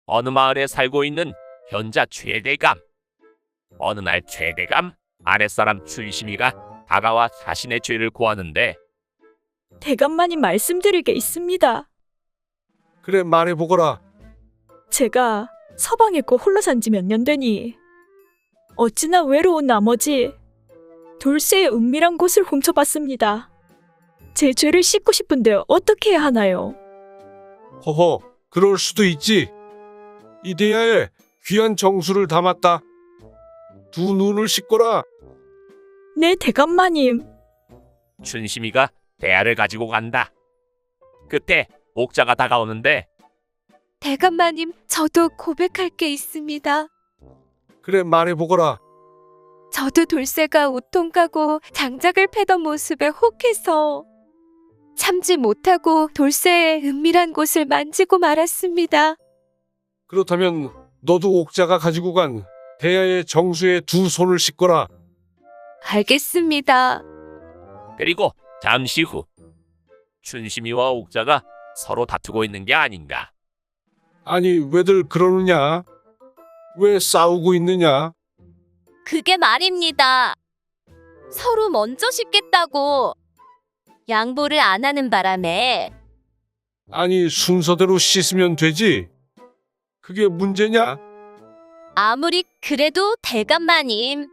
어느 마을에 살고 있는 현자 최대감. 어느 날 최대감 아랫사람 춘심이가 다가와 자신의 죄를 고하는데 대감마님 말씀드릴 게 있습니다. 그래 말해보거라. 제가 서방에 있고 홀로 산 지 몇 년 되니 어찌나 외로운 나머지 돌쇠의 은밀한 곳을 훔쳐봤습니다. 제 죄를 씻고 싶은데 어떻게 해야 하나요? 허허, 그럴 수도 있지. 이데야에 귀한 정수를 담았다. 두 눈을 씻거라. 네, 대감마님. 춘심이가 대야를 가지고 간다. 그때 옥자가 다가오는데 대감마님, 저도 고백할 게 있습니다. 그래 말해보거라. 저도 돌쇠가 우통 까고 장작을 패던 모습에 혹해서 참지 못하고 돌쇠의 은밀한 곳을 만지고 말았습니다. 그렇다면 너도 옥자가 가지고 간 대야의 정수에 두 손을 씻거라. 알겠습니다. 그리고 잠시 후 춘심이와 옥자가 서로 다투고 있는 게 아닌가. 아니 왜들 그러느냐? 왜 싸우고 있느냐? 그게 말입니다. 서로 먼저 씻겠다고 양보를 안 하는 바람에 아니 순서대로 씻으면 되지. 그게 문제냐? 아무리 그래도 대감마님,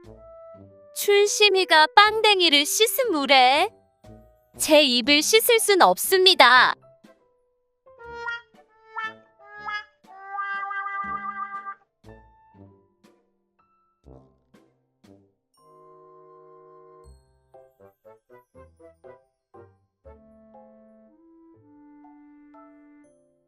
춘심이가 빵댕이를 씻은 물에 제 입을 씻을 순 없습니다.